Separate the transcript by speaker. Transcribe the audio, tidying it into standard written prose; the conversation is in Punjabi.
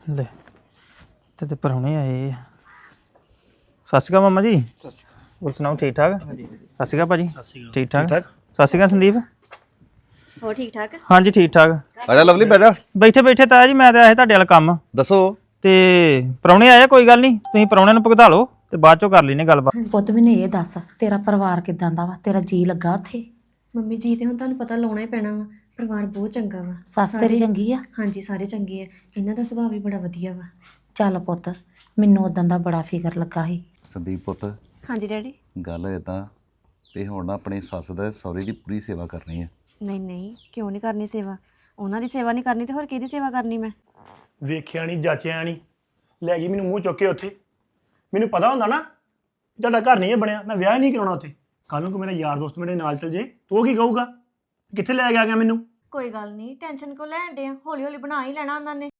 Speaker 1: ਲੈ ਤੇ ਪ੍ਰਾਹੁਣੇ ਆਏ ਆ। ਸਤਿ ਸ਼੍ਰੀ ਅਕਾਲ ਮਾਮਾ ਜੀ। ਹੋਰ ਸੁਣਾਓ ਠੀਕ ਠਾਕ? ਸਤਿ ਸ਼੍ਰੀ ਅਕਾਲ ਭਾਜੀ। ਠੀਕ ਠਾਕ। ਸਤਿ ਸ਼੍ਰੀ ਅਕਾਲ ਸੰਦੀਪ।
Speaker 2: ਹੋਰ ਠੀਕ ਠਾਕ?
Speaker 1: ਹਾਂਜੀ ਠੀਕ ਠਾਕ।
Speaker 3: ਆਜਾ ਲਵਲੀ ਬਹਿ ਜਾ।
Speaker 1: ਬੈਠੇ ਬੈਠੇ ਤਾਇਆ ਜੀ ਮੈਂ ਤਾਂ ਆਇਆ ਤੁਹਾਡੇ ਵਾਲਾ ਕੰਮ
Speaker 3: ਦੱਸੋ।
Speaker 1: ਤੇ ਪ੍ਰਾਹੁਣੇ ਆਏ ਕੋਈ ਗੱਲ ਨਹੀਂ, ਤੁਸੀਂ ਪ੍ਰਾਹੁਣਿਆਂ ਨੂੰ ਭੁਗਤਾ ਲਓ ਤੇ ਬਾਅਦ ਚੋਂ ਕਰ ਲੈਨੇ ਗੱਲਬਾਤ।
Speaker 4: ਪੁੱਤ ਮੈਨੂੰ ਇਹ ਦੱਸ ਤੇਰਾ ਪਰਿਵਾਰ ਕਿਦਾਂ ਦਾ ਵਾ? ਤੇਰਾ ਜੀ ਲੱਗਾ ਉੱਥੇ?
Speaker 2: ਮੰਮੀ ਜੀ ਤੇ ਹੁਣ ਤੁਹਾਨੂੰ ਪਤਾ ਲਾਉਣਾ ਹੀ ਪੈਣਾ ਵਾ। ਪਰਿਵਾਰ ਬਹੁਤ ਚੰਗਾ ਵਾ।
Speaker 4: ਸੱਸ ਤੇਰੀ ਚੰਗੀ ਆ?
Speaker 2: ਹਾਂਜੀ ਸਾਰੇ ਚੰਗੇ ਆ। ਇਹਨਾਂ ਦਾ ਸੁਭਾਅ ਵੀ ਬੜਾ ਵਧੀਆ ਵਾ।
Speaker 4: ਚੱਲ ਪੁੱਤ, ਮੈਨੂੰ ਉਦੋਂ ਦਾ ਬੜਾ ਫਿਕਰ ਲੱਗਾ ਸੀ।
Speaker 3: ਸੰਦੀਪ ਪੁੱਤ,
Speaker 2: ਹਾਂਜੀ ਡੈਡੀ।
Speaker 3: ਗੱਲ ਇਦਾਂ ਤੇ ਹੁਣ ਨਾ ਆਪਣੀ ਸੱਸ ਦਾ ਸਹੁਰੇ ਦੀ ਪੂਰੀ ਸੇਵਾ ਕਰਨੀ ਹੈ।
Speaker 2: ਨਹੀਂ ਨਹੀਂ, ਕਿਉਂ ਨਹੀਂ ਕਰਨੀ ਸੇਵਾ? ਉਹਨਾਂ ਦੀ ਸੇਵਾ ਨਹੀਂ ਕਰਨੀ ਤੇ ਹੋਰ ਕਿਹਦੀ ਸੇਵਾ ਕਰਨੀ ਮੈਂ?
Speaker 5: ਵੇਖਿਆ ਨਹੀਂ ਜਾਚਿਆ ਨਹੀਂ, ਲੈ ਗਈ ਮੈਨੂੰ ਮੂੰਹ ਚੁੱਕ ਕੇ ਉੱਥੇ। ਮੈਨੂੰ ਪਤਾ ਹੁੰਦਾ ਨਾ ਤੁਹਾਡਾ ਘਰ ਨਹੀਂ ਇਹ ਬਣਿਆ, ਮੈਂ ਵਿਆਹ ਨਹੀਂ ਕਰਾਉਣਾ ਉੱਥੇ। ਕੱਲ ਨੂੰ ਕੋਈ ਮੇਰਾ ਯਾਰ ਦੋਸਤ ਮੇਰੇ ਨਾਲ ਚਲ ਜੇ ਤੂੰ ਕੀ ਕਹੂਗਾ, ਕਿੱਥੇ ਲੈ ਕੇ ਆ ਗਿਆ ਮੈਨੂੰ?
Speaker 2: ਕੋਈ ਗੱਲ ਨਹੀਂ, ਟੈਨਸ਼ਨ ਕਿਉਂ ਲੈਣ ਡੇ ਆ? ਹੌਲੀ ਹੌਲੀ ਬਣਾ ਹੀ ਲੈਣਾ ਉਹਨਾਂ ਨੇ।